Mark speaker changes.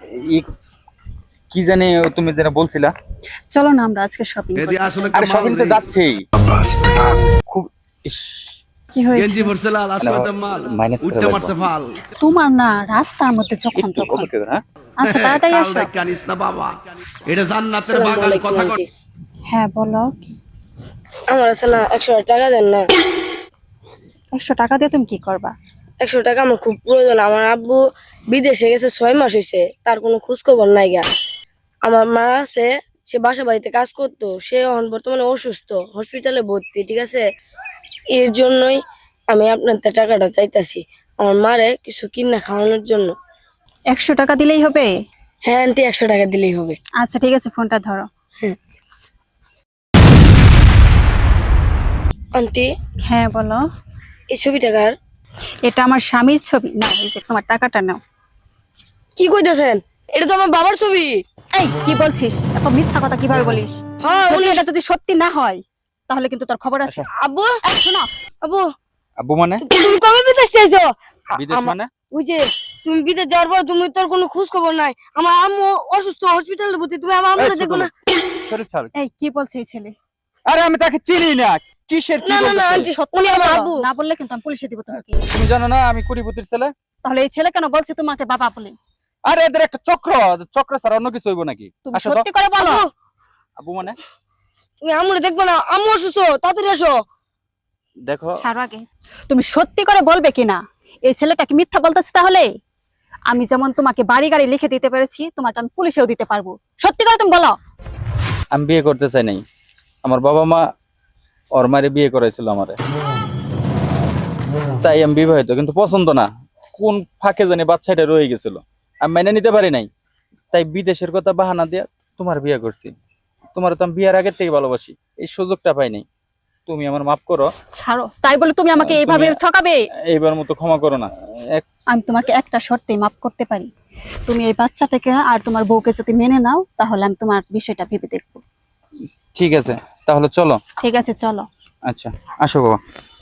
Speaker 1: ই কি জানি তুমি যেটা বলছিলা।
Speaker 2: চলো না আমরা আজকে শপিং করি।
Speaker 1: আরে শপিং তো যাচ্ছেই খুব ইস,
Speaker 2: কি হয়েছে?
Speaker 3: গেঞ্জি ভরছে লাল, আসলে মাল
Speaker 1: মাইনাস করে
Speaker 3: উঠতে
Speaker 1: লাগবে।
Speaker 3: মারছে ফাল।
Speaker 2: তোমার না রাস্তার মধ্যে যখন
Speaker 1: একটু
Speaker 2: তখন।
Speaker 1: কবর হ্যাঁ
Speaker 2: আচ্ছা তাড়াতাড়ি
Speaker 3: কাল
Speaker 2: আসো।
Speaker 3: দেখে আনিস না বাবা, এটা জান্নাতের
Speaker 4: আসসালামু
Speaker 3: বাগান।
Speaker 4: আলাইকুম
Speaker 3: কথা
Speaker 4: আন্টি।
Speaker 2: হ্যাঁ বলো।
Speaker 4: আমার আছে না 100 টাকা দেন না।
Speaker 2: 100 টাকা দিয়ে তুমি কি করবা?
Speaker 4: 100 টাকা আমার খুব প্রয়োজন। আমার আব্বু বিদেশে গেছে 6 মাস হয়েছে, তার কোনো খোঁজ খবর নাই গা। আমার মা আছে, সে বাসা বাড়িতে কাজ করতো, সে এখন বর্তমানে অসুস্থ, হসপিটালে ভর্তি, ঠিক আছে? এর জন্যই আমি আপনার তে টাকাটা চাইতাছি আমার মারে কিছু কিনা খাওয়ানোর জন্য।
Speaker 2: 100 টাকা দিলেই হবে?
Speaker 4: হ্যাঁ আন্টি, 100 টাকা দিলেই হবে।
Speaker 2: আচ্ছা ঠিক আছে, ফোনটা ধরো।
Speaker 4: আন্টি,
Speaker 2: হ্যাঁ বলো।
Speaker 4: এই ছবি টাকার
Speaker 2: এটা আমার স্বামীর ছবি না, এই যে তোমার টাকাটা নাও।
Speaker 4: কি কইতেছেন? এটা তো আমার বাবার ছবি।
Speaker 2: এই কি বলছিস? এত মিথ্যা কথা কিভাবে বলিস?
Speaker 4: হ্যাঁ
Speaker 2: যদি
Speaker 4: উনি।
Speaker 2: এটা যদি সত্যি না হয় তাহলে কিন্তু তোর খবর আছে।
Speaker 4: আব্বু,
Speaker 2: এই শোনো,
Speaker 4: আব্বু,
Speaker 1: আব্বু মানে
Speaker 4: তুমি কবে বিদেশ যাইছো?
Speaker 1: বিদেশ মানে
Speaker 4: ওই যে তুমি বিদেশ যাওয়ার পর তুমি তোর কোনো খোঁজ খবর নাই। আমার আম্মু অসুস্থ, হসপিটালে ভর্তি, তুমি আমার আম্মুকে দেখো না?
Speaker 1: শরীর ছাড়।
Speaker 2: এই কি বলছে এই ছেলে?
Speaker 1: আরে আমি তাকে চিনি না, কিসের কি
Speaker 4: না না না
Speaker 1: বলতেছে?
Speaker 4: আন্টি,
Speaker 2: সত্যি
Speaker 4: উনি আমার
Speaker 2: বলো,
Speaker 4: আব্বু।
Speaker 2: না বললে কিন্তু আমি পুলিশে দিব তোমাকে।
Speaker 1: তুমি জানো না আমি কুড়িপতির ছেলে?
Speaker 2: তাহলে এই ছেলে কেন বলছে তোমাকে বাবা বলে?
Speaker 1: আরে এদের একটা চক্র, চক্র ছাড়া অন্য কিছু হইব নাকি?
Speaker 2: তুমি
Speaker 1: আসো তো।
Speaker 2: সত্যি করে বলো।
Speaker 4: আব্বু,
Speaker 1: আব্বু মানে
Speaker 4: তুমি আম্মুরে দেখবো না? আম্মু অসুস্থ, তাড়াতাড়ি আসো।
Speaker 1: দেখো
Speaker 2: ছাড়ো আগে। তুমি সত্যি করে বলবে কিনা এই ছেলেটা কি মিথ্যা বলতেছে? তাহলে আমি যেমন তোমাকে বাড়ি গাড়ি লিখে দিতে পেরেছি, তোমাকে আমি পুলিশেও দিতে পারবো। সত্যি করে তুমি বলো।
Speaker 1: আমি বিয়ে করতে চাই নাই। আমার বাবা মা ওর মারে বিয়ে করাইছিল আমারে, তাই আমি বিবাহিত, কিন্তু পছন্দ না। কোন ফাঁকে জানি বাচ্চাটা রয়ে গেছিল, আমি মেনে নিতে পারি নাই। তাই বিদেশের কথা বাহানা দিয়া তোমার বিয়ে করছি। তোমার তো আমি বিয়ের আগের থেকে ভালোবাসি, এই সুযোগটা পাই নাই। তুমি আমার মাফ করো,
Speaker 2: ছাড়ো। তাই বলে তুমি আমাকে এইভাবে
Speaker 1: তুমি-
Speaker 2: ঠকাবে?
Speaker 1: এইবার মতো ক্ষমা করো না।
Speaker 2: আমি তোমাকে একটা শর্তেই মাফ করতে পারি। তুমি এই বাচ্চাটাকে আর তোমার বউকে যদি মেনে নাও তাহলে আমি তোমার বিষয়টা ভেবে দেখবো।
Speaker 1: ঠিক আছে তাহলে চলো।
Speaker 2: ঠিক আছে চলো।
Speaker 1: আচ্ছা আসো বাবা।